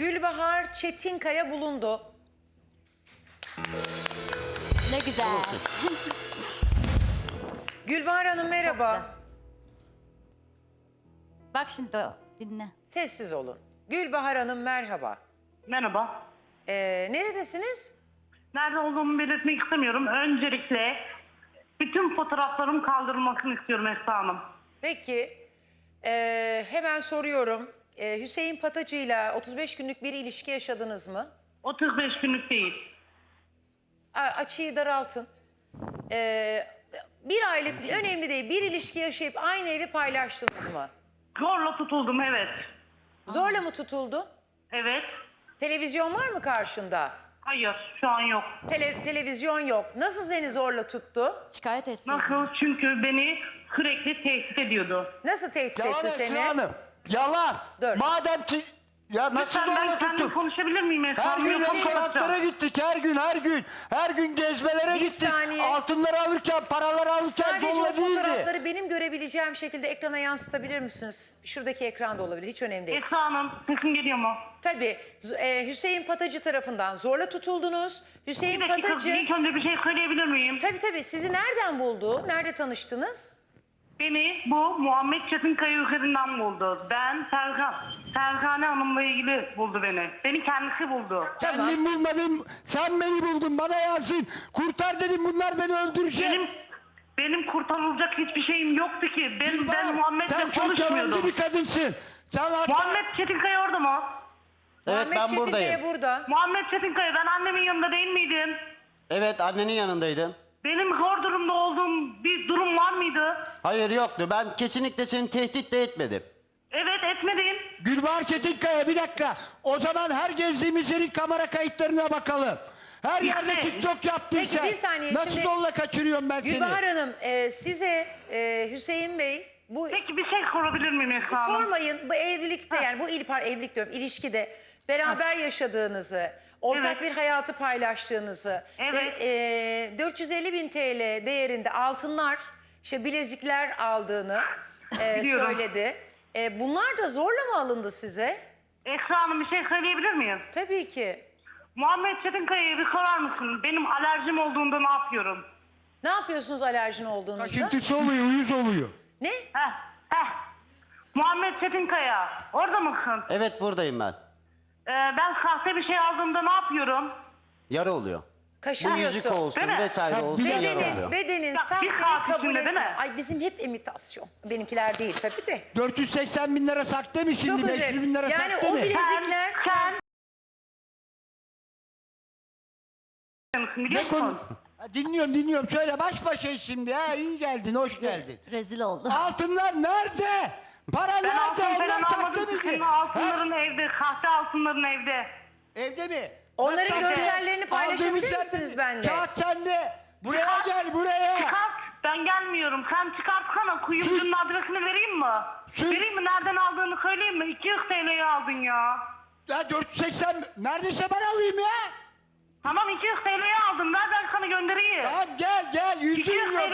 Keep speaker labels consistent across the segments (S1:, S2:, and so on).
S1: Gülbahar Çetinkaya bulundu.
S2: Ne güzel.
S1: Gülbahar Hanım merhaba.
S2: Bak şimdi o, dinle.
S1: Sessiz olun. Gülbahar Hanım merhaba.
S3: Merhaba.
S1: Neredesiniz?
S3: Nerede olduğumu belirtmek istemiyorum. Öncelikle bütün fotoğraflarım kaldırılmasını istiyorum Esra Hanım.
S1: Peki hemen soruyorum. Hüseyin Patacı'yla 35 günlük bir ilişki yaşadınız mı?
S3: 35 günlük değil.
S1: Açıyı daraltın. Bir aylık önemli değil. Bir ilişki yaşayıp aynı evi paylaştınız mı?
S3: Zorla tutuldum, evet.
S1: Zorla mı tutuldun?
S3: Evet.
S1: Televizyon var mı karşında?
S3: Hayır, şu an yok.
S1: Televizyon yok. Nasıl seni zorla tuttu?
S2: Şikayet etsin.
S3: Nasıl? Çünkü beni sürekli tehdit ediyordu.
S1: Nasıl tehdit
S4: Yalan
S1: etti seni?
S4: Esra Hanım. Yalan.
S1: Dur.
S4: Madem ki... Ya nasıl
S3: Lütfen ben
S4: zorla
S3: kendim
S4: tuttum?
S3: konuşabilir miyim Esra
S4: Her
S3: Hanım?
S4: gün
S3: Yoksa
S4: restoranlara
S3: konuşacağım.
S4: gittik, her gün gezmelere
S1: Bir
S4: gittik.
S1: saniye.
S4: Altınları alırken, paraları alırken
S1: Sadece o
S4: zorla değildi.
S1: fotoğrafları benim görebileceğim şekilde ekrana yansıtabilir misiniz? Şuradaki ekranda olabilir. Hiç önemli değil.
S3: Esra Hanım, sesim geliyor mu?
S1: Tabii Hüseyin Patacı tarafından zorla tutuldunuz. Hüseyin
S3: Bir dakika,
S1: Patacı...
S3: ilk önce bir şey söyleyebilir miyim?
S1: Tabii sizi nereden buldu? Nerede tanıştınız?
S3: Beni bu Muhammed Çetinkaya üzerinden buldu. Sergane Hanım'la ilgili buldu beni. Beni kendisi buldu.
S4: Kendim bulmadım, sen beni buldun, bana yazın. Kurtar dedim, bunlar beni öldürecek.
S3: Benim kurtarılacak hiçbir şeyim yoktu ki. Ben
S4: Gülbahar, sen
S3: Muhammed'le
S4: çok yalancı
S3: konuşmuyordum.
S4: bir kadınsın. Sen hatta...
S3: Muhammed Çetinkaya orada mı?
S5: Evet,
S1: Muhammed
S5: ben
S1: Çetinkaya
S5: buradayım.
S1: burada.
S3: Muhammed Çetinkaya, ben annemin yanında değil miydim?
S5: Evet, annenin yanındaydın.
S3: Benim zor durumda olduğum bir durum var mıydı?
S5: Hayır, yoktu. Ben kesinlikle seni tehdit de etmedim.
S3: Evet, etmedim.
S4: Gülbahar Çetinkaya, bir dakika. O zaman her gezdiğimiz yerin kamera kayıtlarına bakalım. Her yerde
S3: İşte.
S4: TikTok yaptın
S1: Peki,
S4: sen.
S1: bir saniye,
S4: Nasıl
S1: şimdi-
S4: zorla kaçırıyorum ben seni?
S1: Gülbahar Hanım size Hüseyin Bey bu
S3: Peki bir şey sorabilir miyim Esra Hanım?
S1: sormayın bu evlilikte yani bu evlilik diyorum ilişkide beraber yaşadığınızı ortak
S3: Evet.
S1: bir hayatı paylaştığınızı
S3: Evet.
S1: 450.000 TL değerinde altınlar işte bilezikler aldığını
S3: Biliyorum.
S1: söyledi. Bunlar da zorla mı alındı size?
S3: Esra Hanım, bir şey söyleyebilir miyim?
S1: Tabii ki.
S3: Muhammed Çetinkaya'ya bir sorar mısın? Benim alerjim olduğunda ne yapıyorum?
S1: Ne yapıyorsunuz alerjin olduğunuzda?
S4: Kaşıntısı oluyor, uyuz oluyor.
S1: Ne?
S3: Heh. Muhammed Çetinkaya, orada mısın?
S5: Evet, buradayım ben.
S3: Ben sahte bir şey aldığımda ne yapıyorum?
S5: Yara oluyor. Bu
S1: Kaşınıyorsun.
S5: yüzük olsun
S3: Değil mi?
S5: vesaire
S4: Ha,
S5: olsun,
S4: bir
S5: yara
S4: dakika.
S5: oluyor.
S1: Bedenin
S3: bir
S1: sahteyi
S3: saat
S1: kabul
S3: içinde
S1: et.
S3: değil mi?
S1: Ay bizim hep imitasyon. Benimkiler değil tabii de.
S4: 480 bin lira sakte mi şimdi?
S1: Çok
S4: 500
S1: özel.
S4: bin lira
S1: Yani
S4: sakte
S1: o
S4: mi?
S1: bilezikler...
S3: Sen
S4: Ne
S3: biliyor
S4: konu?
S3: musun?
S4: Ha, dinliyorum. Söyle, baş başayız şimdi. Ha, iyi geldin, hoş geldin.
S2: Rezil oldu.
S4: Altınlar nerede? Para
S3: Ben
S4: nerede?
S3: altın
S4: Onlar
S3: falan
S4: sakte
S3: almadım.
S4: miydi?
S3: Senin
S4: Ha,
S3: altınların evde, sahte altınların evde.
S4: evde mi?
S1: Onların
S4: Nasıl sakte?
S1: görsellerini paylaşabilir
S4: Aldığımız
S1: misiniz
S4: yerde-
S1: benimle?
S4: Kağıt sende. Buraya gel, buraya.
S3: Çıkart. Ben gelmiyorum. Sen çıkartsana. Kuyumcunun adresini vereyim mi?
S4: Sür.
S3: Vereyim mi? Nereden aldığını söyleyeyim mi? 200 TL'ye aldın ya.
S4: Ya 480, neredeyse ben alayım ya.
S3: Tamam, 200 TL'ye aldım. Ver, ben sana göndereyim.
S4: Tamam gel,
S3: 200
S4: yüzün yok.
S3: TL.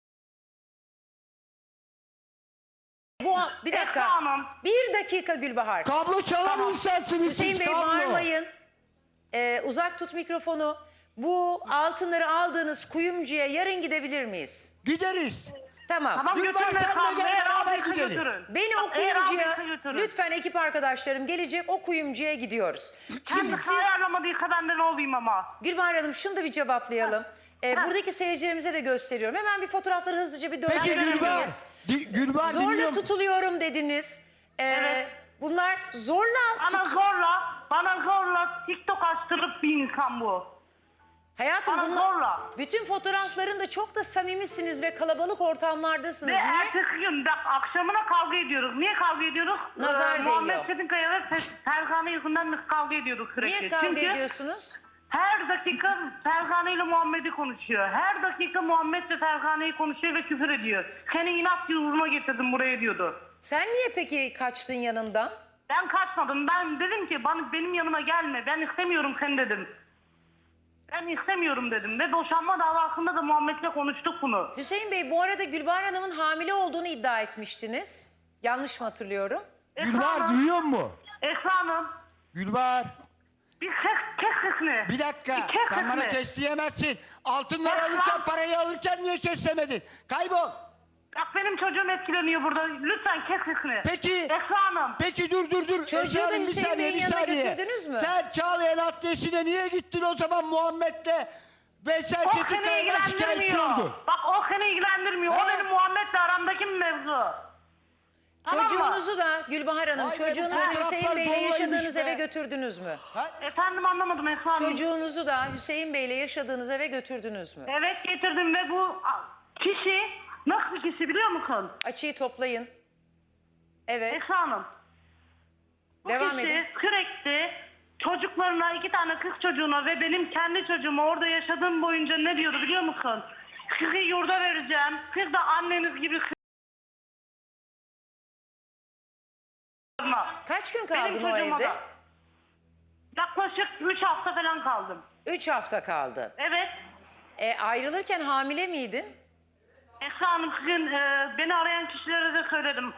S1: Bir dakika.
S3: Esra Hanım.
S1: Bir dakika Gülbahar.
S4: Kablo çalan insansınız
S1: Hüseyin
S4: siz,
S1: Bey
S4: kablo.
S1: bağırmayın. Uzak tut mikrofonu. Bu altınları aldığınız kuyumcuya yarın gidebilir miyiz?
S4: Gideriz.
S1: Tamam.
S3: Tamam,
S4: Gülbahar,
S3: götürün
S4: sen de
S3: Esra Hanım.
S4: gel,
S3: Eğer
S4: beraber
S3: aldıysa
S4: gidelim.
S3: götürün.
S1: Beni o
S3: Eğer
S1: kuyumcuya,
S3: aldıysa götürün.
S1: lütfen ekip arkadaşlarım gelecek, o kuyumcuya gidiyoruz. Şimdi
S3: Şimdi
S1: siz,
S3: ayarlamadıysa ben de ne olayım ama.
S1: Gülbahar Hanım şunu da bir cevaplayalım. Buradaki seyircilerimize de gösteriyorum. Hemen bir fotoğrafları hızlıca bir
S4: Peki
S1: döndürebilir
S4: Gülbahar,
S1: miyiz?
S4: Gülbahar
S1: Zorla
S4: dinliyorum.
S1: tutuluyorum dediniz.
S3: Evet.
S1: Bunlar zorla
S3: Bana zorla TikTok açtırıp bir insan bu.
S1: Hayatım
S3: Bana
S1: bunlar...
S3: zorla.
S1: Bütün fotoğraflarında çok da samimisiniz ve kalabalık ortamlardasınız.
S3: Ve
S1: Niye?
S3: ertesi gün bak, akşamına kavga ediyoruz. Niye kavga ediyoruz?
S1: Nazar değiyor.
S3: Muhammed Çetinkaya ve Sergane yüzünden biz kavga ediyoruz sürekli.
S1: Niye kavga
S3: Çünkü
S1: ediyorsunuz?
S3: her dakika Sergane ile Muhammed'i konuşuyor. Her dakika Muhammed ile Sergane'yi konuşuyor ve küfür ediyor. Seni inat yoluna getirdim buraya diyordu.
S1: Sen niye peki kaçtın yanından?
S3: Ben kaçmadım. Ben dedim ki benim yanıma gelme. Ben istemiyorum seni dedim. Ben istemiyorum dedim. Ve boşanma davasında da Muhammed'le konuştuk bunu.
S1: Hüseyin Bey bu arada Gülbahar Hanım'ın hamile olduğunu iddia etmiştiniz. Yanlış mı hatırlıyorum?
S4: Gülbahar duyuyor mu?
S3: Esra Hanım,
S4: Gülbahar.
S3: Bir kes sesini.
S4: Bir dakika.
S3: Bir kes
S4: Sen bana
S3: sesini.
S4: kes diyemezsin. Altınları
S3: Kes
S4: alırken,
S3: lan.
S4: parayı alırken niye kes demedin? Kaybol.
S3: Bak benim çocuğum etkileniyor burada. Lütfen kes sesini.
S4: Peki.
S3: Esra Hanım.
S4: Peki dur.
S1: Çocuğu da
S4: Esra Hanım, bir
S1: Hüseyin
S4: saniye,
S1: Bey'in
S4: bir
S1: yanına
S4: saniye.
S1: götürdünüz mü?
S4: Sen Çağlayan Adliyesi'ne niye gittin o zaman Muhammed'le? Veysel
S3: O seni
S4: Çetinkaya'dan şikayetçi
S3: ilgilendirmiyor.
S4: oldun.
S3: Bak o seni ilgilendirmiyor. O
S4: He?
S3: benim Muhammed'le aramdaki bir mevzu. Tamam mı?
S1: Çocuğunuzu da Gülbahar Hanım,
S4: Ay,
S1: çocuğunuzu
S4: benim
S1: Hüseyin
S4: fotoğraflar
S1: Bey'le
S4: dolmaymış
S1: yaşadığınız
S4: be.
S1: eve götürdünüz mü?
S3: Efendim anlamadım Esra Hanım.
S1: Çocuğunuzu da Hüseyin Bey'le yaşadığınız eve götürdünüz mü?
S3: Evet getirdim ve bu kişi nasıl bir kişi biliyor musun?
S1: Açıyı toplayın. Evet.
S3: Esra Hanım. Bu
S1: Devam
S3: kişi
S1: edin.
S3: sürekli çocuklarına, 2 tane kız çocuğuna ve benim kendi çocuğuma orada yaşadığım boyunca ne diyordu biliyor musun? Sizi yurda vereceğim. Siz de anneniz gibi
S1: Kaç gün
S3: benim
S1: kaldın o
S3: çocuğuma
S1: evde?
S3: da. Yaklaşık 3 hafta falan kaldım.
S1: 3 hafta kaldı.
S3: Evet.
S1: Ayrılırken hamile miydin?
S3: Esra Hanım sizin beni arayan kişilere de söyledim.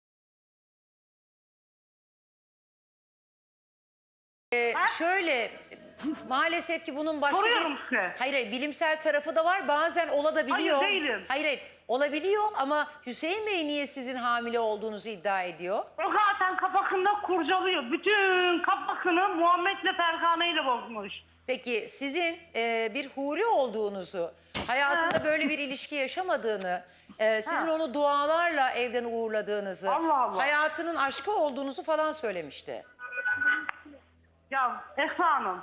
S1: Şöyle maalesef ki bunun başka
S3: Soruyorum size.
S1: Hayır, bilimsel tarafı da var. Bazen olabiliyor.
S3: Hayır, değilim.
S1: Hayır, olabiliyor ama Hüseyin Bey niye sizin hamile olduğunuzu iddia ediyor?
S3: O zaten kafasında kurcalıyor. Bütün kafasını Muhammed'le Fergane bozmuş.
S1: Peki sizin bir huri olduğunuzu, hayatında böyle bir ilişki yaşamadığını, sizin onu dualarla evden uğurladığınızı,
S3: Allah Allah.
S1: hayatının aşkı olduğunuzu falan söylemişti.
S3: Ya Esra Hanım.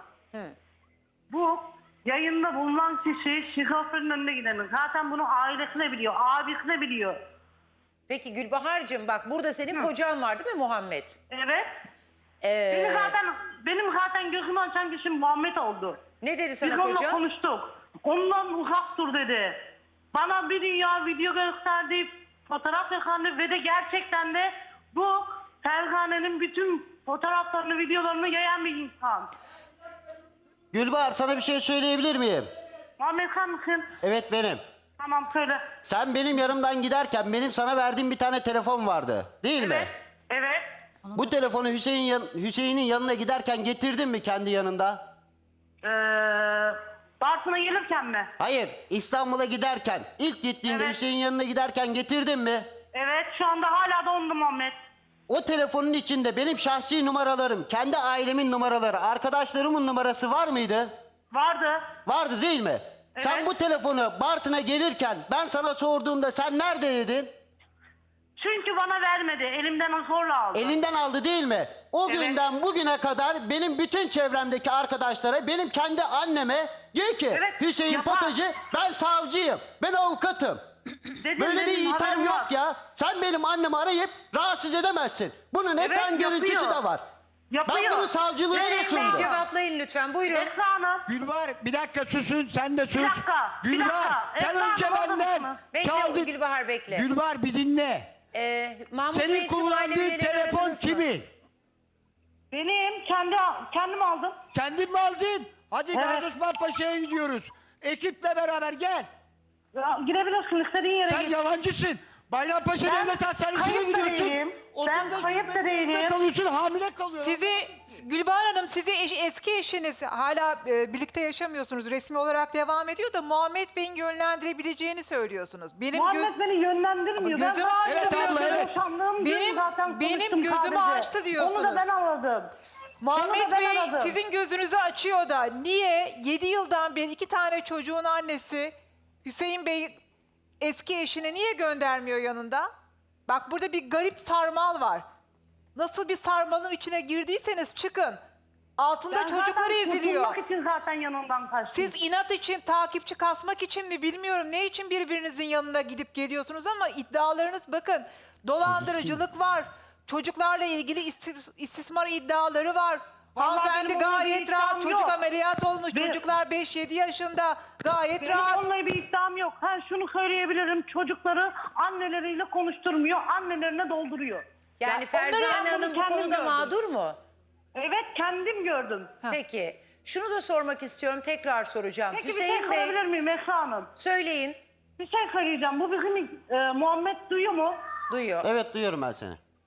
S3: Bu yayında bulunan kişi şizofrenin önüne gideni. Zaten bunu ailesi de biliyor, abisi de biliyor.
S1: Peki Gülbahar'cığım bak burada senin kocan var değil mi Muhammed?
S3: Evet.
S1: Ee,
S3: Benim zaten gözümü açan kişi Muhammed oldu.
S1: ne dedi
S3: Biz
S1: sana
S3: onunla
S1: kocan?
S3: konuştuk. Ondan uzak dur dedi. Bana bir dünya video gösterdi, fotoğraf yakandı ve de gerçekten de bu Fergane'nin bütün fotoğraflarını, videolarını yayan bir insan.
S5: Gülbahar sana bir şey söyleyebilir miyim?
S3: Muhammed sen misin?
S5: Evet benim.
S3: Tamam söyle.
S5: Sen benim yanımdan giderken benim sana verdiğim bir tane telefon vardı. Değil mi?
S3: Evet. Evet.
S5: Bu telefonu Hüseyin'in yanına giderken getirdin mi kendi yanında?
S3: Bartın'a gelirken mi?
S5: Hayır, İstanbul'a giderken, ilk gittiğinde
S3: Evet.
S5: Hüseyin yanına giderken getirdin mi?
S3: Evet şu anda hala da onda Muhammed.
S5: O telefonun içinde benim şahsi numaralarım, kendi ailemin numaraları, arkadaşlarımın numarası var mıydı?
S3: Vardı.
S5: Vardı değil mi? Sen bu telefonu Bartın'a gelirken ben sana sorduğumda sen neredeydin?
S3: Çünkü bana vermedi. Elimden zorla aldı.
S5: Elinden aldı değil mi? O
S3: Evet.
S5: günden bugüne kadar benim bütün çevremdeki arkadaşlara, benim kendi anneme diyor ki
S3: Evet,
S5: Hüseyin
S3: yapar.
S5: Potacı ben savcıyım, ben avukatım.
S3: Dedim,
S5: Böyle bir
S3: dedim,
S5: itham
S3: haberim
S5: yok
S3: var.
S5: ya. Sen benim annemi arayıp rahatsız edemezsin. Bunun ekran görüntüsü
S3: yapıyor.
S5: de var.
S3: Yapıyor.
S5: Ben bunu savcılığına
S1: Hüseyin Bey
S5: sundum.
S1: cevaplayın lütfen buyurun.
S3: Esra Hanım.
S4: Gülbahar bir dakika susun, sen de sus.
S3: Bir dakika, bir
S4: Gülbahar
S3: dakika.
S4: sen
S3: Esra
S4: önce
S3: Hanım, orada
S4: benden
S3: mısın?
S1: Bekle
S4: çaldın.
S1: Gülbahar bekle.
S4: Gülbahar bir dinle.
S1: Mahmut
S4: Senin
S1: Bey'in tüm
S4: kullandığın
S1: aileleri
S4: telefon
S1: aradınız mı?
S4: kimin?
S3: Benim kendim aldım.
S4: Kendin mi aldın? Hadi
S3: Evet.
S4: Gazi Osman Paşa'ya gidiyoruz. Ekiple beraber gel.
S3: Ya, girebilirsin istediğin yere
S4: Sen
S3: git.
S4: yalancısın. Bayrampaşa
S3: Ben
S4: Devlet Hastanesi'ne
S3: kayıp da
S4: gidiyorsun.
S3: değilim. Ben
S4: 35
S3: kayıp da
S4: gün evde
S3: değilim.
S4: kalıyorsun, hamile kalıyorsun.
S6: Gülbahar Hanım sizi eski eşiniz hala birlikte yaşamıyorsunuz. Resmi olarak devam ediyor da Muhammed Bey'in yönlendirebileceğini söylüyorsunuz. Benim
S3: Muhammed beni yönlendirmiyor.
S6: Ama gözümü
S3: Ben
S6: açtı
S3: zaten
S4: diyorsunuz.
S3: boşandığım gün
S6: Benim-
S3: zaten
S6: benim
S3: konuştum
S6: gözümü
S3: sadece.
S6: açtı diyorsunuz.
S3: Onu da ben aradım.
S6: Muhammed
S3: Onu da ben
S6: Bey
S3: aradım.
S6: sizin gözünüzü açıyor da niye 7 yıldan beri 2 tane çocuğun annesi Hüseyin Bey eski eşine niye göndermiyor yanında? Bak burada bir garip sarmal var. Nasıl bir sarmalın içine girdiyseniz çıkın. Altında
S3: Ben
S6: çocukları
S3: zaten
S6: eziliyor.
S3: kurtulmak için zaten yanından kaçtım.
S6: Siz inat için, takipçi kasmak için mi bilmiyorum ne için birbirinizin yanına gidip geliyorsunuz ama iddialarınız bakın dolandırıcılık var. Çocuklarla ilgili istismar iddiaları var.
S3: Vallahi
S6: Hanımefendi
S3: benim onunla bir
S6: gayet rahat
S3: iddiam
S6: çocuk
S3: yok.
S6: ameliyat olmuş.
S3: Ve-
S6: Çocuklar 5-7 yaşında gayet
S3: Benim
S6: rahat.
S3: onunla bir iddiam yok. Ha şunu söyleyebilirim. Çocukları anneleriyle konuşturmuyor. Annelerine dolduruyor.
S1: Yani
S6: Ya onları
S1: Ferzane
S3: ben
S1: Hanım bu
S3: kendim
S1: konuda
S3: gördüm.
S1: mağdur mu?
S3: Evet kendim gördüm.
S1: Peki. Şunu da sormak istiyorum. Tekrar soracağım.
S3: Peki bir
S1: Hüseyin
S3: şey
S1: Bey
S3: sorabilir miyim Esra Hanım?
S1: söyleyin.
S3: Bir şey söyleyeceğim. Bu bizim Muhammed duyuyor mu?
S1: Duyuyor.
S5: Evet duyuyorum ben seni.
S3: Heh.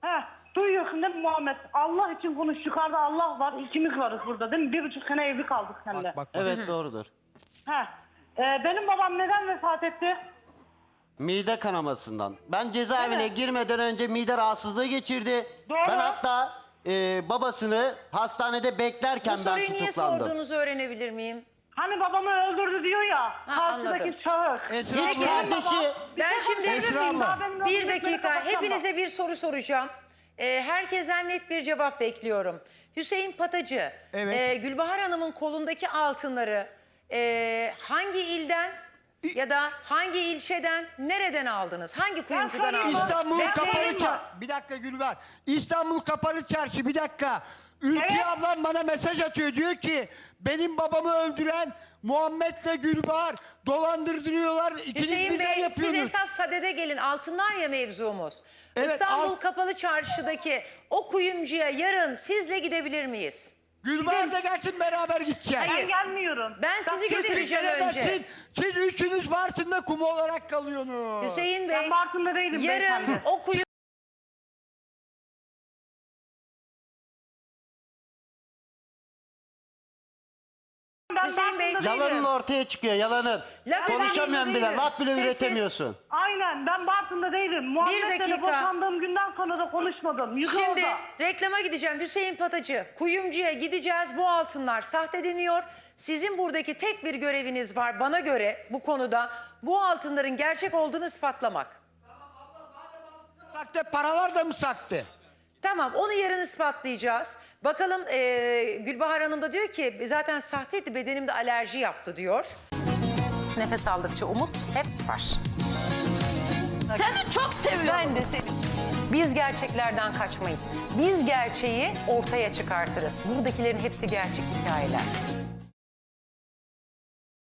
S3: Duyuyorsun değil mi Muhammed? Allah için konuş, yukarıda Allah var, ikimiz varız burada değil mi? 1,5 sene evli kaldık seninle.
S5: Evet doğrudur.
S3: Benim babam neden vefat etti?
S5: Mide kanamasından. Ben cezaevine girmeden önce mide rahatsızlığı geçirdi.
S3: Doğru.
S5: Ben hatta babasını hastanede beklerken
S1: Bu
S5: ben
S1: soruyu niye
S5: tutuklandım.
S1: sorduğunuzu öğrenebilir miyim?
S3: Hani babamı öldürdü diyor ya,
S1: anladım.
S3: karşıdaki şahıs.
S4: Esra
S5: Hiç
S4: abla.
S5: kardeşi
S1: Ben şimdi
S4: Esra abla.
S1: bir dakika hepinize bir soru soracağım. Herkesten net bir cevap bekliyorum. Hüseyin Patacı,
S4: Evet.
S1: Gülbahar Hanım'ın kolundaki altınları hangi ilden ya da hangi ilçeden, nereden aldınız? Hangi kuyumcudan
S3: söyleyeyim.
S1: aldınız?
S4: İstanbul
S1: Bekleyin
S4: Kapalı
S1: mi?
S4: Çarşı. Bir dakika Gülver. İstanbul Kapalı Çarşı, bir dakika. Ülke ablam bana mesaj atıyor, diyor ki benim babamı öldüren Muhammed'le Gülbahar dolandırıyorlar. İkiniz
S1: Hüseyin
S4: birden
S1: Bey siz
S4: yapıyorsunuz.
S1: esas sadede gelin. Altınlar ya mevzumuz.
S4: Evet,
S1: İstanbul Kapalı Çarşı'daki o kuyumcuya yarın sizle gidebilir miyiz?
S4: Gülbahar da gelsin, beraber gideceğiz.
S1: Hayır.
S3: Ben gelmiyorum.
S1: Ben sizi götüreceğim önce.
S4: Siz üçünüz Bartın'da kum olarak kalıyorsunuz.
S1: Hüseyin Bey,
S3: Ben Bartın'da değilim
S1: yarın
S3: beyefendi.
S1: o kuyum...
S3: Ben
S1: Hüseyin Bey,
S3: Bartın'da değilim.
S5: Yalanın ortaya çıkıyor, yalanın.
S1: Laf
S5: Konuşamıyorum bile,
S3: değilim.
S5: laf bile
S1: Sessiz.
S5: üretemiyorsun.
S3: Aynen, ben Bartın'da değilim. Muhammed'le
S1: dakika.
S3: de boşandığım günden sonra da konuşmadım. Yıkı
S1: Şimdi
S3: orada.
S1: reklama gideceğim. Hüseyin Patacı, kuyumcuya gideceğiz. Bu altınlar sahte deniyor. Sizin buradaki tek bir göreviniz var bana göre bu konuda. Bu altınların gerçek olduğunu ispatlamak.
S4: Sakte paralar da mı sakte?
S1: Tamam, onu yarın ispatlayacağız. Bakalım Gülbahar Hanım da diyor ki zaten sahteydi, bedenimde alerji yaptı diyor. Nefes aldıkça umut hep var.
S2: Seni çok seviyorum.
S1: Ben de seni. Biz gerçeklerden kaçmayız. Biz gerçeği ortaya çıkartırız. Buradakilerin hepsi gerçek hikayeler.